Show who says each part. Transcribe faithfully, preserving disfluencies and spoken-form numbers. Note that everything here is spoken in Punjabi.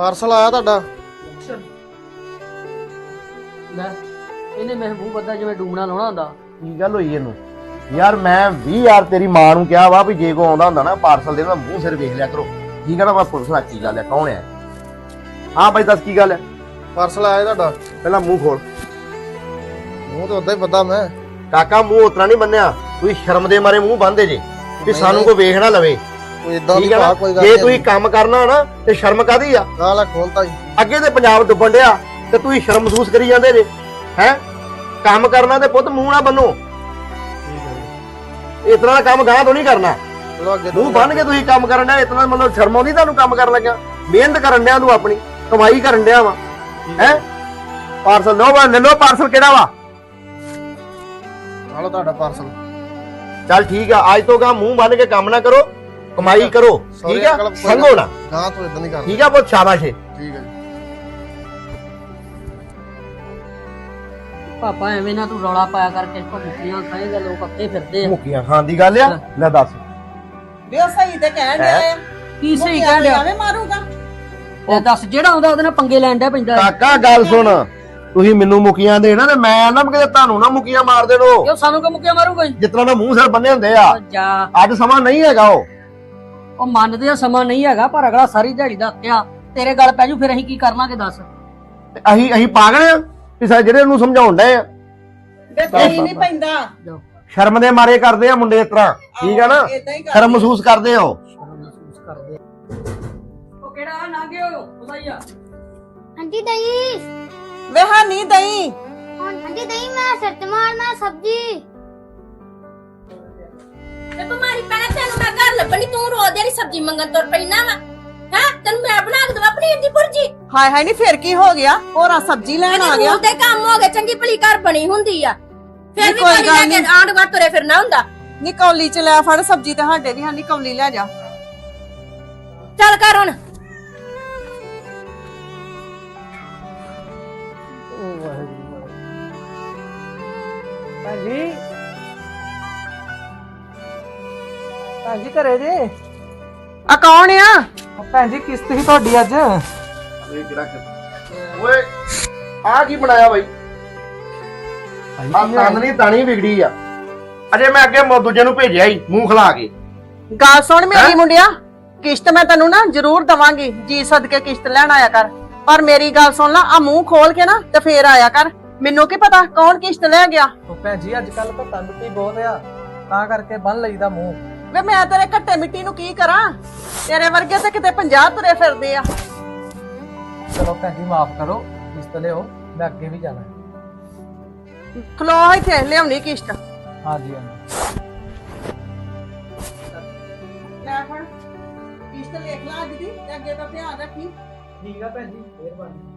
Speaker 1: ਪਾਰਸਲ ਆਇਆ ਤੁਹਾਡਾ।
Speaker 2: ਲੈ ਇਹਨੇ ਮੇਰੇ ਮੂੰਹ ਬੱਦਾ ਜਿਵੇਂ ਡੂਮਣਾ ਲਾਉਣਾ ਹੁੰਦਾ।
Speaker 3: ਕੀ ਗੱਲ ਹੋਈ ਇਹਨੂੰ ਯਾਰ? ਮੈਂ ਵੀਹ ਹਜ਼ਾਰ ਤੇਰੀ ਮਾਂ ਨੂੰ ਕਿਹਾ ਵਾ ਵੀ ਜੇ ਕੋ ਆਉਂਦਾ ਹੁੰਦਾ ਨਾ ਪਾਰਸਲ ਦੇ ਉਹਦਾ ਮੂੰਹ ਸਿਰ ਵੇਖ ਲਿਆ ਕਰੋ। ਕੀ ਕਹਿੰਦਾ ਮੈਂ ਪੁਲਿਸ ਨਾਲ ਕੀ ਗੱਲ ਹੈ? ਕੌਣ ਹੈ? ਹਾਂ ਬਾਈ ਦੱਸ ਕੀ ਗੱਲ ਹੈ?
Speaker 1: ਪਾਰਸਲ ਆਇਆ ਤੁਹਾਡਾ।
Speaker 3: ਪਹਿਲਾਂ ਮੂੰਹ ਖੋਲ।
Speaker 1: ਮੂੰਹ ਤੇ ਉਦਾਂ ਹੀ ਪਤਾ ਮੈਂ
Speaker 3: ਕਾਕਾ ਮੂੰਹ ਉਤਰਾ ਨਹੀਂ ਬੰਨਿਆ, ਤੁਸੀਂ ਸ਼ਰਮ ਦੇ ਮਾਰੇ ਮੂੰਹ ਬੰਨਦੇ ਜੇ ਵੀ ਸਾਨੂੰ ਕੋਈ ਵੇਖ ਨਾ ਲਵੇ।
Speaker 1: ਕੋਈ ਇਦਾਂ ਦੀ
Speaker 3: ਠੀਕ ਹੈ ਨਾ?
Speaker 1: ਕੋਈ ਗੱਲ
Speaker 3: ਜੇ
Speaker 1: ਨਹੀਂ।
Speaker 3: ਤੁਸੀਂ ਕੰਮ ਕਰਨਾ ਨਾ ਤੇ ਸ਼ਰਮ ਕਾਦੀ ਆ?
Speaker 1: ਗਾਲਾਂ ਖੋਲਤਾ ਜੀ।
Speaker 3: ਅੱਗੇ ਤੇ ਪੰਜਾਬ ਡੁੱਬਣ ਡਿਆ ਤੇ ਤੁਸੀਂ ਸ਼ਰਮ ਮਹਿਸੂਸ ਕਰੀ ਜਾਂਦੇ ਜੇ ਹੈ। ਕੰਮ ਕਰਨਾ ਤੇ ਪੁੱਤ ਮੂੰਹ ਨਾ ਬੰਨੋ। ਇਤਨਾ ਦਾ ਕੰਮ ਗਾਹ ਤੋਂ ਨਹੀਂ ਕਰਨਾ।
Speaker 1: ਚਲੋ ਅੱਗੇ
Speaker 3: ਮੂੰਹ ਬੰਨ ਕੇ ਤੁਸੀਂ ਕੰਮ ਕਰਨ ਡਿਆ, ਇਤਨਾ ਮਤਲਬ ਸ਼ਰਮ ਆਉਂਦੀ ਤੁਹਾਨੂੰ ਕੰਮ ਕਰਨ ਲੱਗਿਆ? ਮਿਹਨਤ ਕਰਨ ਡਿਆ ਤੂੰ, ਆਪਣੀ ਕਮਾਈ ਕਰਨ ਡਿਆ ਵਾ ਹੈ। ਪਾਰਸਲ ਲਓ ਵਾ, ਲੈ ਲਓ ਪਾਰਸਲ। ਕਿਹੜਾ ਵਾ?
Speaker 1: ਆਲੋ ਤੁਹਾਡਾ ਪਾਰਸਲ।
Speaker 3: ਚੱਲ ਠੀਕ ਆ, ਅੱਜ ਤੋਂ ਗਾ ਮੂੰਹ ਬੰਨ ਕੇ ਕੰਮ ਨਾ ਕਰੋ, ਕਮਾਈ ਕਰੋ। ਠੀਕ ਆ, ਸੰਗੋ ਨਾ
Speaker 1: ਗਾਂ ਤੋਂ ਇਦਾਂ ਨਹੀਂ ਕਰਦਾ।
Speaker 3: ਠੀਕ ਆ, ਬਹੁਤ ਸ਼ਾਬਾਸ਼ ਹੈ।
Speaker 1: ਠੀਕ ਹੈ ਜੀ।
Speaker 2: ਪਾਪਾ ਐਵੇਂ ਨਾ ਤੂੰ ਰੌਲਾ ਪਾਇਆ ਕਰਕੇ ਕੋ ਮੁੱਕੀਆਂ ਖਾਏਗਾ, ਲੋਕ ਅੱਤੇ ਫਿਰਦੇ ਆ।
Speaker 3: ਮੁੱਕੀਆਂ ਖਾਣ ਦੀ ਗੱਲ ਆ? ਲੈ ਦੱਸ।
Speaker 4: ਵੇ ਉਹ ਸਹੀ ਤੇ ਕਹਿਣ ਡਿਆ ਆ।
Speaker 2: ਕੀ ਸਹੀ ਕਹਿ ਡਿਆ?
Speaker 4: ਐਵੇਂ ਮਾਰੂਗਾ।
Speaker 2: ਉਹ ਦੱਸ ਜਿਹੜਾ ਆਉਂਦਾ ਉਹਦੇ ਨਾਲ ਪੰਗੇ ਲੈਣ ਡਿਆ ਪੈਂਦਾ।
Speaker 3: ਕਾਕਾ ਗੱਲ ਸੁਣ, ਤੁਸੀਂ ਮੈਨੂੰ ਮੁੱਕੀਆਂ ਦੇਣਾ ਤੇ ਮੈਂ ਨਾ ਕਿਤੇ ਤੁਹਾਨੂੰ ਨਾ ਮੁੱਕੀਆਂ ਮਾਰ ਦੇਣੋ।
Speaker 2: ਕਿਉਂ ਸਾਨੂੰ ਕੋ ਮੁੱਕੀਆਂ ਮਾਰੂਗਾ?
Speaker 3: ਜਿਤਨਾ ਦਾ ਮੂੰਹ ਸਿਰ ਬੰਨੇ ਹੁੰਦੇ ਆ।
Speaker 2: ਜਾ
Speaker 3: ਅੱਜ ਸਮਾਂ ਨਹੀਂ ਹੈਗਾ। ਉਹ
Speaker 2: ਉਹ ਮੰਨਦੇ ਆ ਸਮਾਂ ਨਹੀਂ ਹੈਗਾ, ਪਰ ਅਗਲਾ ਸਾਰੀ ਦਿਹਾੜੀ ਦਾ ਅੱਤਿਆ ਤੇਰੇ ਗੱਲ ਪੈ ਜੂ, ਫਿਰ ਅਸੀਂ ਕੀ ਕਰਨਾਂਗੇ ਦੱਸ?
Speaker 3: ਤੇ ਅਸੀਂ ਅਸੀਂ ਪਾਗਲ ਆ ਵੀ ਸਾਰੇ ਜਿਹੜੇ ਉਹਨੂੰ ਸਮਝਾਉਣ ਡਏ ਆ?
Speaker 4: ਵੇ ਕੋਈ ਨਹੀਂ ਪੈਂਦਾ।
Speaker 2: ਜਾਓ
Speaker 3: ਸ਼ਰਮ ਦੇ ਮਾਰੇ ਕਰਦੇ ਆ ਮੁੰਡੇ ਇਸ ਤਰ੍ਹਾਂ। ਠੀਕ ਆ ਨਾ?
Speaker 4: ਏਦਾਂ ਹੀ ਕਰਦੇ
Speaker 3: ਸ਼ਰਮ ਮਹਿਸੂਸ ਕਰਦੇ ਆ ਉਹ।
Speaker 2: ਸ਼ਰਮ ਮਹਿਸੂਸ ਕਰਦੇ ਉਹ ਕਿਹੜਾ ਨਾ ਗਿਓ ਉਹਦਾਈਆ।
Speaker 5: आंटी दही।
Speaker 4: ਵੇ ਹਾਂ ਨਹੀਂ ਦਈ।
Speaker 5: आंटी दही मैं सच मारना सब्जी।
Speaker 6: ਤੇ ਬਿਮਾਰੀ ਪੈਣਾ ਤੈਨੂੰ ਮੈਂ ਘਰ ਲੱਭਣੀ, ਤੂੰ ਰੋਜ਼ ਦੀ ਸਬਜ਼ੀ ਮੰਗਣ ਤੁਰ ਪੈਣਾ ਵਾ ਹੈ। ਤੈਨੂੰ ਮੈਂ ਬਣਾ ਕੇ ਦਵਾ ਪਨੀਰ ਦੀ ਭੁਰਜੀ।
Speaker 4: ਹਾਏ ਹਾਏ ਨਹੀਂ ਫਿਰ ਕੀ ਹੋ ਗਿਆ? ਹੋਰਾਂ ਸਬਜ਼ੀ ਲੈਣ ਆ ਗਿਆ।
Speaker 6: ਤੇ ਕੰਮ ਹੋ ਗਏ, ਚੰਗੀ ਭਲੀ ਘਰ ਬਣੀ ਹੁੰਦੀ ਆ, ਫਿਰ ਵੀ
Speaker 4: ਕੋਈ
Speaker 6: ਕੋਈ
Speaker 4: ਗੱਲ
Speaker 6: ਲੈ ਕੇ
Speaker 4: ਨੀ।
Speaker 6: ਆਂਢ ਗੁਆਂਢ ਤੁਰੇ ਫਿਰਨਾ ਹੁੰਦਾ।
Speaker 4: ਨੀ ਕੌਲੀ ਚ ਲੈ ਫੜ ਸਬਜ਼ੀ ਤੇ ਸਾਡੇ ਵੀ ਹਾਂ ਨੀ ਕੌਲੀ ਲੈ ਜਾ।
Speaker 6: ਚੱਲ ਕਰ ਹੁਣ।
Speaker 7: ਹਾਂਜੀ ਭੈਣ ਜੀ ਘਰੇ ਜੇ?
Speaker 4: ਆ ਕੌਣ ਆ?
Speaker 7: ਭੈਣ ਜੀ ਕਿਸ਼ਤ ਸੀ ਤੁਹਾਡੀ ਅੱਜ।
Speaker 3: ਓਏ ਆ ਕੀ ਬਣਾਇਆ ਬਾਈ? ਆ ਤਾਨਣੀ ਤਾਣੀ ਵਿਗੜੀ ਆ। ਅਜੇ ਮੈਂ ਅੱਗੇ ਮੋ ਦੂਜੇ ਨੂੰ ਭੇਜਿਆ ਹੀ ਮੂੰਹ ਖਲਾ ਕੇ।
Speaker 4: ਗੱਲ ਸੁਣ ਮੇਰੀ ਮੁੰਡਿਆ, ਕਿਸ਼ਤ ਮੈਂ ਤੈਨੂੰ ਨਾ ਜ਼ਰੂਰ ਦਵਾਂਗੀ। ਜੀ ਸਦਕੇ ਕਿਸ਼ਤ ਲੈਣ ਆਇਆ ਕਰ, ਪਰ ਮੇਰੀ ਗੱਲ ਸੁਣ ਲਾ, ਆ ਮੂੰਹ ਖੋਲ ਕੇ ਨਾ ਤੇ ਫੇਰ ਆਇਆ ਕਰ। ਮੈਨੂੰ ਕੀ ਪਤਾ ਕੌਣ ਕਿਸ਼ਤ ਲੈ ਗਿਆ।
Speaker 7: ਉਹ ਭੈਣ ਜੀ ਅੱਜ ਕੱਲ ਤਾਂ ਮਿੱਟੀ ਬਹੁਤ ਆ, ਤਾਂ ਕਰਕੇ ਬੰਨ ਲਈਦਾ ਮੂੰਹ।
Speaker 4: ਵੇ ਮੈਂ ਤੇਰੇ ਘੱਟੇ ਮਿੱਟੀ ਨੂੰ ਕੀ ਕਰਾਂ? ਤੇਰੇ ਵਰਗੇ ਤੇ ਕਿਤੇ ਪੰਜਾਹ ਤੁਰੇ ਫਿਰਦੇ ਆ।
Speaker 7: ਚਲੋ ਭੈਣ ਜੀ ਮਾਫ ਕਰੋ, ਕਿਸ਼ਤ ਲਿਓ, ਮੈਂ ਅੱਗੇ ਵੀ ਜਾਣਾ।
Speaker 4: ਖਲੋ ਇੱਥੇ ਲਿਆਉਣੀ ਕਿਸ਼ਤ।
Speaker 7: ਹਾਂਜੀ ਹਾਂਜੀ
Speaker 4: ਲੈ ਫੜ ਕਿਸ਼ਤ ਲਿਖ ਲਾ ਅੱਜ ਦੀ ਤੇ ਅੱਗੇ ਦਾ ਧਿਆਨ ਰੱਖੀ।
Speaker 7: ਠੀਕ ਆ ਭੈਣ ਜੀ, ਮਿਹਰਬਾਨੀ।